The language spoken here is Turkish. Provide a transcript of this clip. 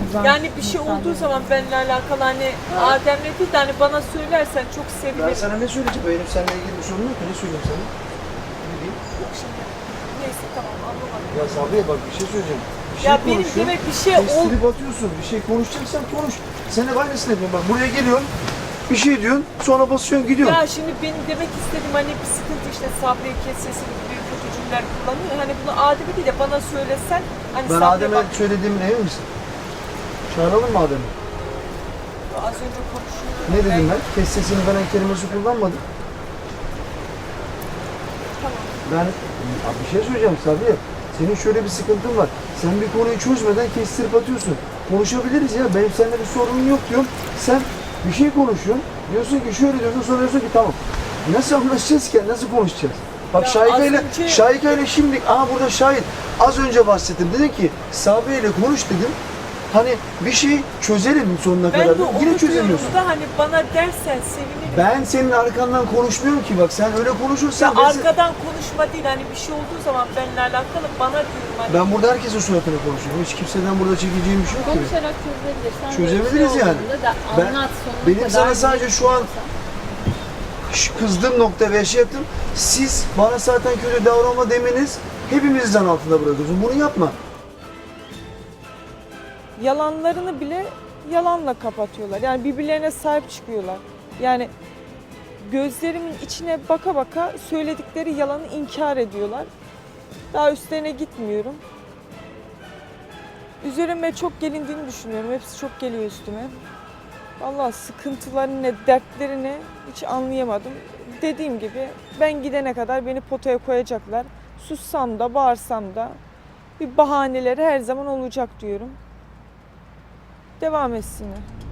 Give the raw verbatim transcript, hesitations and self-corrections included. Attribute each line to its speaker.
Speaker 1: Ramazan.
Speaker 2: Yani bir şey olduğu zaman benimle alakalı hani Adem'le değil de hani bana söylersen çok
Speaker 3: Ben
Speaker 2: sevinirim.
Speaker 3: sana ne söyleyeceğim? Benim seninle ilgili bir sorun yok ki. Ne söyleyeyim sana? Ne diyeyim?
Speaker 2: Yok şimdi. Neyse tamam anlamadım.
Speaker 3: Ya Sabriye bak bir şey söyleyeceğim. Bir şey
Speaker 2: Ya benim
Speaker 3: konuşuyorsun,
Speaker 2: demek bir şey ol...
Speaker 3: kestirip atıyorsun. Bir şey konuşacaksan konuş. Sen hep aynısını yapıyorsun. Bak buraya geliyorsun. Bir şey diyorsun. Sonra basıyorsun gidiyorsun.
Speaker 2: Ya şimdi benim demek istediğim hani bir sıkıntı işte Sabriye kes sesini büyük kötü cümleler kullanıyor. Hani bunu Adem'e değil de bana söylesen hani
Speaker 3: Ben
Speaker 2: Sabriye
Speaker 3: Adem'e
Speaker 2: bak
Speaker 3: söylediğimin emin misin? Çağıralım mı Adem'i?
Speaker 2: az önce konuşuyorduk.
Speaker 3: Ne dedim ben? Kes sesini veren kelimesi kullanmadım.
Speaker 2: Tamam.
Speaker 3: Ben ya bir şey söyleyeceğim Sabriye. Senin şöyle bir sıkıntın var. Sen bir konuyu çözmeden kestirip atıyorsun. Konuşabiliriz ya. Benim seninle bir sorunum yok diyorum. Sen bir şey konuşuyorsun. Diyorsun ki şöyle diyorsun, sonra diyorsun ki tamam. Nasıl anlaşacağız ki? Nasıl konuşacağız? Bak
Speaker 2: Ya
Speaker 3: Şahika
Speaker 2: az
Speaker 3: ile
Speaker 2: önce-
Speaker 3: Şahika ile şimdi aha burada şahit. Az önce bahsettim. Dedim ki Sabriye ile konuş dedim. Hani bir şey çözelim sonuna
Speaker 2: Ben
Speaker 3: kadar.
Speaker 2: de onu
Speaker 3: Yine çözemiyorsun.
Speaker 2: diyorum da hani bana dersen sevinirim.
Speaker 3: Ben senin arkandan konuşmuyorum ki bak sen öyle konuşursan
Speaker 2: Ya
Speaker 3: ben, se-
Speaker 2: arkadan konuşma değil hani bir şey olduğu zaman benimle alakalı bana diyorum hani.
Speaker 3: ben burada herkesin suratına konuşuyorum. Hiç kimseden burada çekeceğim bir şey yok ki.
Speaker 1: Konuşarak çözebilir. Sen
Speaker 3: Çözebiliriz
Speaker 1: böyle bir şey
Speaker 3: yani.
Speaker 1: olduğunda Da
Speaker 3: Ben-
Speaker 1: anlat sonuna
Speaker 3: benim
Speaker 1: kadar
Speaker 3: sana sadece
Speaker 1: bir
Speaker 3: şu an-
Speaker 1: istiyorsan.
Speaker 3: Şu kızdığım nokta ve şey yaptım. Siz bana zaten kötü davranma demeniz hepimizi zan altında bırakıyorsun. Bunu yapma.
Speaker 2: Yalanlarını bile yalanla kapatıyorlar. Yani birbirlerine sahip çıkıyorlar. Yani gözlerimin içine baka baka söyledikleri yalanı inkar ediyorlar. Daha üstlerine gitmiyorum. Üzerime çok gelindiğini düşünüyorum. Hepsi çok geliyor üstüme. Vallahi sıkıntılarını ne, dertlerini hiç anlayamadım. Dediğim gibi ben gidene kadar beni potaya koyacaklar. Sussam da bağırsam da bir bahaneleri her zaman olacak diyorum. Devam etsinler.